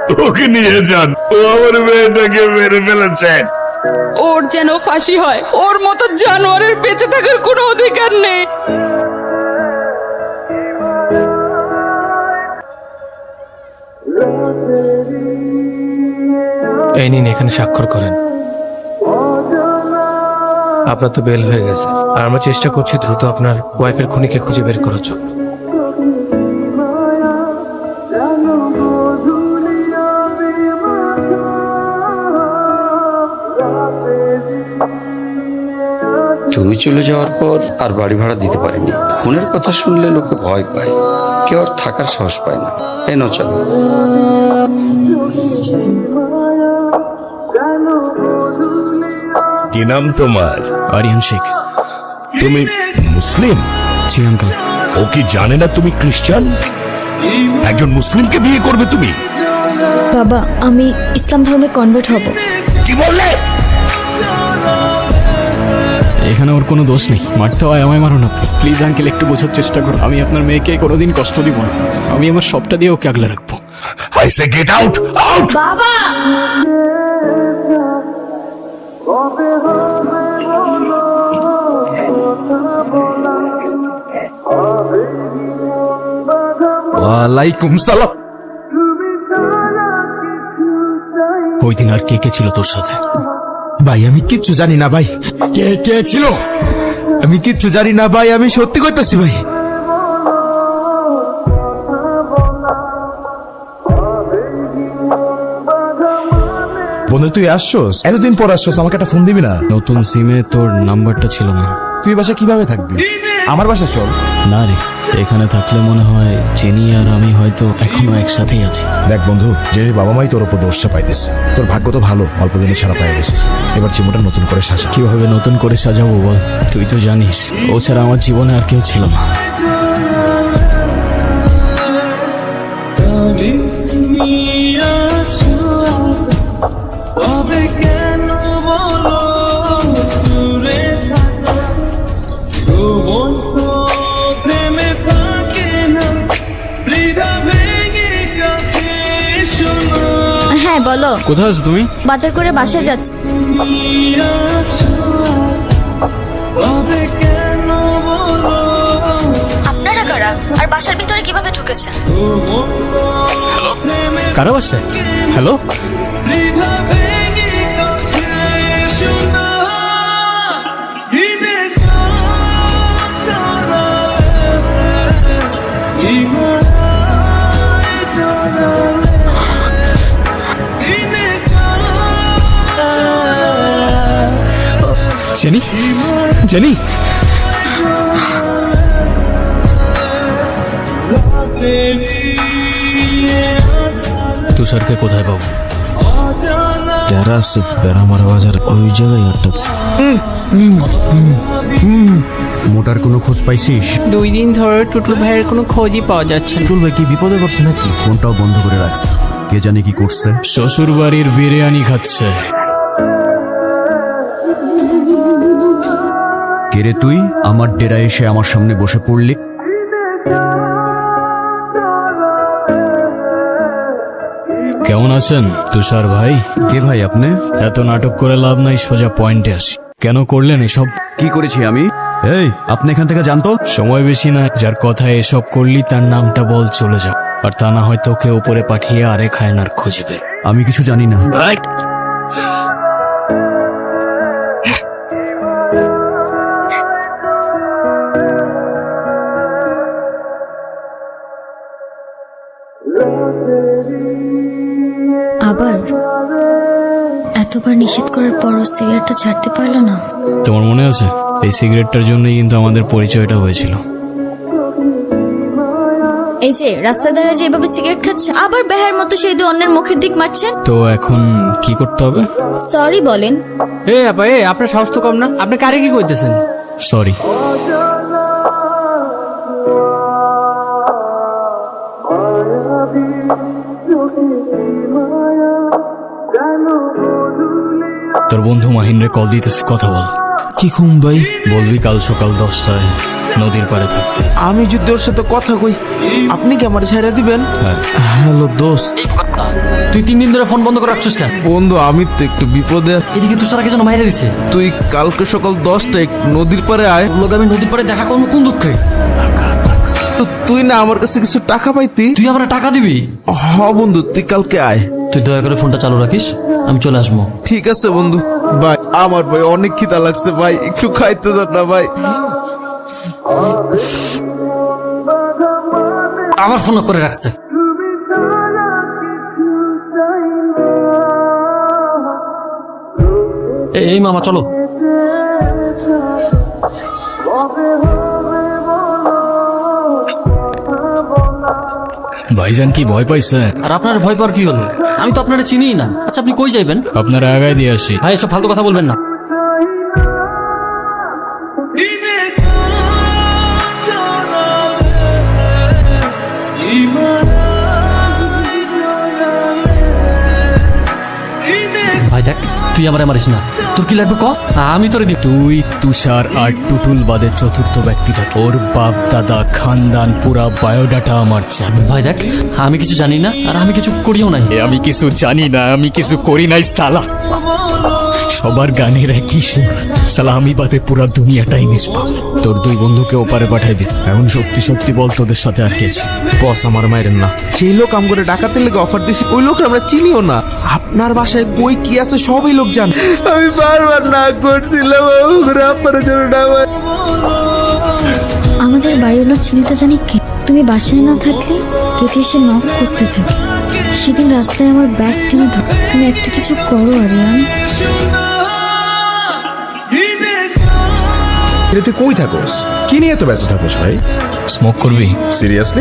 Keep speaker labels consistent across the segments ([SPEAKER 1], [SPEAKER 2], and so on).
[SPEAKER 1] ওকে নিয়ে যান, ও আমার মেয়েটাকে মেরে ফেলেছে।
[SPEAKER 2] ওর যেন ফাঁসি হয়, ওর মতো জানোয়ারের বেঁচে থাকার কোনো অধিকার নেই।
[SPEAKER 3] এই নিন, এখানে স্বাক্ষর করেন। আপনার তো বেল হয়ে গেছে, আর আমরা চেষ্টা করছি দ্রুত আপনার ওয়াইফের খুনিকে খুঁজে বের করার জন্য।
[SPEAKER 4] তুমি চলে যাওয়ার পর আর বাড়ি ভাড়া দিতে পারিনি। খুনের কথা শুনলে লোকে ভয় পায়, কেউ আর থাকার সাহস পায় না। এই নাও চলো।
[SPEAKER 1] কি নাম তোমার?
[SPEAKER 5] আরিয়ান শেখ।
[SPEAKER 1] তুমি মুসলিম?
[SPEAKER 5] জি আঙ্কেল।
[SPEAKER 1] ও কি জানে না তুমি খ্রিস্টান? একজন মুসলিমকে বিয়ে করবে তুমি?
[SPEAKER 6] বাবা, আমি ইসলাম ধর্মে কনভার্ট হব।
[SPEAKER 1] কি বললে?
[SPEAKER 5] এখানে ওর কোনো দোষ নেই, মারতে হয় আমায় মারুন আপনি। প্লিজ আঙ্কেল, একটু বোঝার চেষ্টা করুন। আমি আপনার মেয়েকে কোনোদিন কষ্ট দিব না। আমি আমার সবটা দিয়ে ওকে আগলে রাখবো।
[SPEAKER 1] I say get out! Out!
[SPEAKER 6] বাবা,
[SPEAKER 7] ওয়ালাইকুম সালাম।
[SPEAKER 5] ওই দিন আর কে কে ছিল তোর সাথে?
[SPEAKER 7] ভাই আমি কিচ্ছু জানি না ভাই। কে কে ছিল আমি কিচ্ছু জানি না ভাই, আমি সত্যি কইতাছি ভাই। বন্ধু তুই আসছস, এতদিন পর আসছস, আমাকে একটা ফোন দিবি না?
[SPEAKER 5] নতুন সিমে তোর নাম্বারটা ছিল না।
[SPEAKER 7] তুই বাসা কিভাবে থাকবি? আমার বাসা চল।
[SPEAKER 5] না রে, এখানে থাকলে মনে হয় জেনি আর আমি হয়তো এখনো একসাথেই আছি।
[SPEAKER 7] দেখ বন্ধু, যে বাবা মাই তোর উপর দোষটা পাইতেছে, তোর ভাগ্য তো ভালো, অল্প দিনে ছাড়া পাই গেছিস। এবার চিমুটা নতুন করে সাজা।
[SPEAKER 5] কিভাবে নতুন করে সাজাবো বল? তুই তো জানিস ও ছাড়া আমার জীবনে আর কেউ ছিল না।
[SPEAKER 6] হ্যাঁ বলো।
[SPEAKER 5] কোথায় আছো তুমি?
[SPEAKER 6] বাজার করে বাসায় যাচ্ছি। আপনারা কারা আর বাসার ভিতরে কিভাবে ঢুকেছেন?
[SPEAKER 5] কারো বাসায়? Hello, jenny? জেনি? তুষারকে কোথায় পাবো?
[SPEAKER 7] যারা আছে বেড়ামারা বাজার, ওই জায়গায় একটা মোটার কোনো খোঁজ পাইছিস?
[SPEAKER 8] 2 দিন ধরে টুটুল ভাইয়ের কোনো খোঁজই পাওয়া যাচ্ছে না।
[SPEAKER 7] টুল ভাই কি বিপদে পড়ছে নাকি? ফোনটাও বন্ধ করে রাখছে, কে জানে কি করছে।
[SPEAKER 5] শ্বশুর বাড়ির বিরিয়ানি খাচ্ছে।
[SPEAKER 7] কে রে তুই? আমার ডেরা এসে আমার সামনে বসে পড়লি।
[SPEAKER 5] কেমন আছেন তুষার ভাই?
[SPEAKER 7] কে ভাই আপনি?
[SPEAKER 5] এত নাটক করে লাভ নাই, সোজা পয়েন্টে আসি। কেন করলেন এসব?
[SPEAKER 7] কি করেছি আমি? এই আপনি এখান থেকে জানতো।
[SPEAKER 5] সময় বেশি না, যার কথায় এসব করলি তার নামটা বল, চলে যাও। আর তা না হয় তোকে উপরে পাঠিয়ে আরেক হায়নার খুঁজে বের।
[SPEAKER 7] আমি কিছু জানি না।
[SPEAKER 6] আবার এতবার নিষেধ করার পরও সিগারেটটা ছাড়তে পারলো না।
[SPEAKER 5] তোমার মনে আছে এই সিগারেটটার জন্যই কিন্তু আমাদের পরিচয়টা হয়েছিল।
[SPEAKER 6] এই যে রাস্তা দাঁড়িয়ে যে এভাবে সিগারেট খাচ্ছে, আবার বেহার মতো সেই দু অন্যের মুখের দিক মারছেন।
[SPEAKER 5] তো এখন কি করতে হবে?
[SPEAKER 6] সরি বলেন।
[SPEAKER 8] এ আপা, আপনার সাহস তো কম না, আপনি কারে কি কইতেছেন?
[SPEAKER 5] সরি। তোর বন্ধু মাহিনরে কল দিতেছে, কথা বল।
[SPEAKER 7] কি ঘুম ভাই?
[SPEAKER 5] বলবি কাল সকাল 10টায় নদীর পাড়ে থাকতে।
[SPEAKER 7] আমি যদি ওর সাথে কথা কই, আপনি কি আমার ছেড়ে দিবেন? হ্যালো দোস্ত।
[SPEAKER 8] তুই 3 দিন ধরে ফোন বন্ধ করে রাখছিস কেন?
[SPEAKER 7] বন্ধু আমি তো একটু বিপদে আছি।
[SPEAKER 8] এদিকে তুষারাকে যেন মাইরে দিছে।
[SPEAKER 7] তুই কালকে সকাল 10টায় নদীর পাড়ে আয়।
[SPEAKER 8] লোক আমি নদীর পাড়ে দেখা করবো কোন দুঃখে?
[SPEAKER 7] তো তুই না আমার কাছে কিছু টাকা পাইতি।
[SPEAKER 8] তুই আমার টাকা দিবি?
[SPEAKER 7] হ বন্ধু, তুই কালকে আয়।
[SPEAKER 8] তুই দয়া করে ফোনটা চালু রাখিস, আমি চলে আসবো।
[SPEAKER 7] ঠিক আছে বন্ধু। ভাই আমার ভাই অনেক খিদা লাগছে ভাই, একটু খাইতে দাও না ভাই।
[SPEAKER 8] আবার ফোন করে রাখছে। এই মামা চলো।
[SPEAKER 5] ভাইজান কি ভয় পাইছে?
[SPEAKER 8] আর আপনার ভয় পাওয়ার কি হলো? আমি তো আপনারা চিনিই না। আচ্ছা আপনি কই যাইবেন?
[SPEAKER 5] আপনারা আগায় দিয়ে আসি।
[SPEAKER 8] ভাই এসব ফালতু কথা বলবেন না। ভাই দেখ, তুই আমার মারিস না। তোর কি লাগবে ক, আমি তোরে দিব।
[SPEAKER 5] তুই তুষার আর টুটুল বাদে চতুর্থ ব্যক্তিটা। ওর বাপ দাদা খানদান পুরা বায়োডাটা আমার জানা।
[SPEAKER 8] ভাই দেখ, আমি কিছু জানি না আর আমি কিছু করিও নাই।
[SPEAKER 5] আমি কিছু জানি না, আমি কিছু করি নাই সালা। সবার গানের একই সুর সালা, আমি বাদে পুরা দুনিয়াটাই নিষ্পাপ। তোর 2 বন্ধুকে ওপারে পাঠাই দিস। এখন সত্যি সত্যি বল তোদের সাথে আর কে ছিল?
[SPEAKER 7] বস আমার মায়ের না, সেই লোক আম করে ডাকাতের লেগে অফার দিছি, ওই লোক আমরা চিনিও না। আপনার বাসায় কই কি আছে সবই লোক জান। আমি বারবার না করছিলাম আপনার জন্য না।
[SPEAKER 6] আমাদের বাড়িওয়ালার ছেলেটা জানি কে। তুমি বাসায় না থাকলে কেটে এসে নক করতে থাকে। সেদিন রাস্তায় আমার ব্যাগ টেনে ধর। তুমি একটা কিছু করো আরিয়ান।
[SPEAKER 1] তুই কই থাকোস? কি নিয়ে এত ব্যস্ত থাকোস ভাই?
[SPEAKER 5] স্মোক করবি?
[SPEAKER 1] সিরিয়াসলি?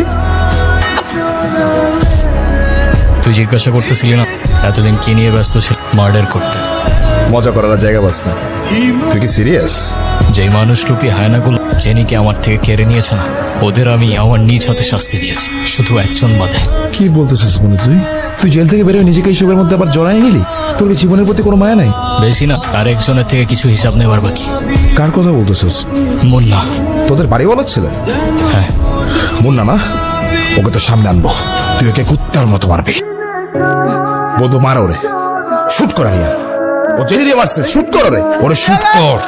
[SPEAKER 5] তুই জিজ্ঞাসা করতেছিলি না এতদিন কি নিয়ে ব্যস্ত ছিল? মার্ডার করতে।
[SPEAKER 1] মজা করার জায়গা পাস না। তুই কি সিরিয়াস?
[SPEAKER 5] যেই মানুষরূপী হায়নাগুলো জেনিকে আমার থেকে কেড়ে নিয়েছে না, ওদের আমি আমার নিজ হাতে শাস্তি দিয়েছি, শুধু একজন বাদে।
[SPEAKER 1] কি বলতেছিস বন্ধু? তুই জেল থেকে বেরোয় নিজেকে এইসবের মধ্যে আবার জড়াই নিলি? তোর কি জীবনের প্রতি কোনো মায়া নাই?
[SPEAKER 5] বেশি না, আর একজনের থেকে কিছু হিসাব নেবার বাকি।
[SPEAKER 1] কার কথা বলতেছিস?
[SPEAKER 5] মুন্না।
[SPEAKER 1] তোদের বাড়ি বলার ছেলে?
[SPEAKER 5] হ্যাঁ।
[SPEAKER 1] মুন্না না? ওকে তো সামনে আনবো, তুই ওকে কুত্তার মতো মারবি। বন্ধু মার ওরে, শুট কর। আরিয়ান ও জেনে দিয়ে মারছে, শুট কর ওরে, ওরে শুট কর,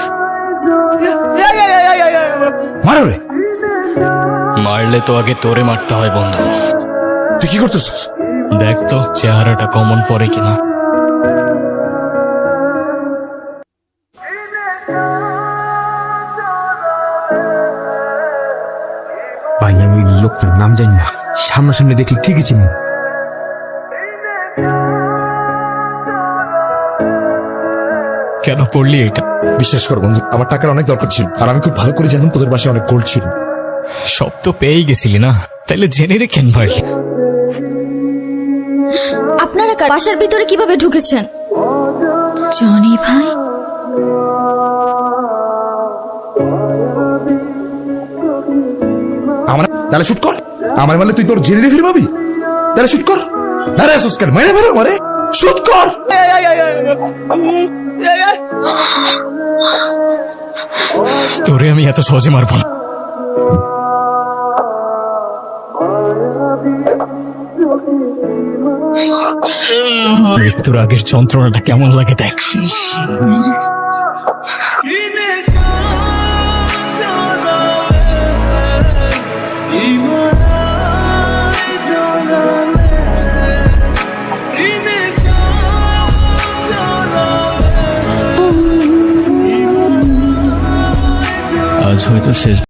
[SPEAKER 1] মার ওরে।
[SPEAKER 5] মারলে তো আগে তোরে মারতে হয় বন্ধু।
[SPEAKER 1] তুই কি করতেছিস?
[SPEAKER 5] দেখ তো চেহারাটা কমন পড়ে কিনা।
[SPEAKER 7] ভাই আমি লোকটার নাম জানি না, সামনাসামনি দেখি ঠিকই চিনি।
[SPEAKER 5] কেন করলি এটা?
[SPEAKER 1] বিশ্বাস কর বন্ধু, আমার টাকার অনেক দরকার ছিল, আর আমি খুব ভালো করে জানতাম তোদের বাসায় অনেক গোল্ড ছিল।
[SPEAKER 5] সব তো পেয়েই গেছিলি না, তাইলে জেনে রেখেন ভাই।
[SPEAKER 6] আপনারা বাসার ভিতরে কিভাবে ঢুকেছেন? জনি ভাই,
[SPEAKER 1] আমার তাহলে শুট কর। আমার বলে তুই তোর জেনে ফিরে পাবি, তাহলে শুট কর। দাঁড়া সুস্কার মেরে ফেরো মারে, শুট কর।
[SPEAKER 5] তোরে আমি এত সহজে মারব না। মৃত্যুর আগের যন্ত্রণাটা কেমন লাগে দেখ। আজ হয়তো শেষ।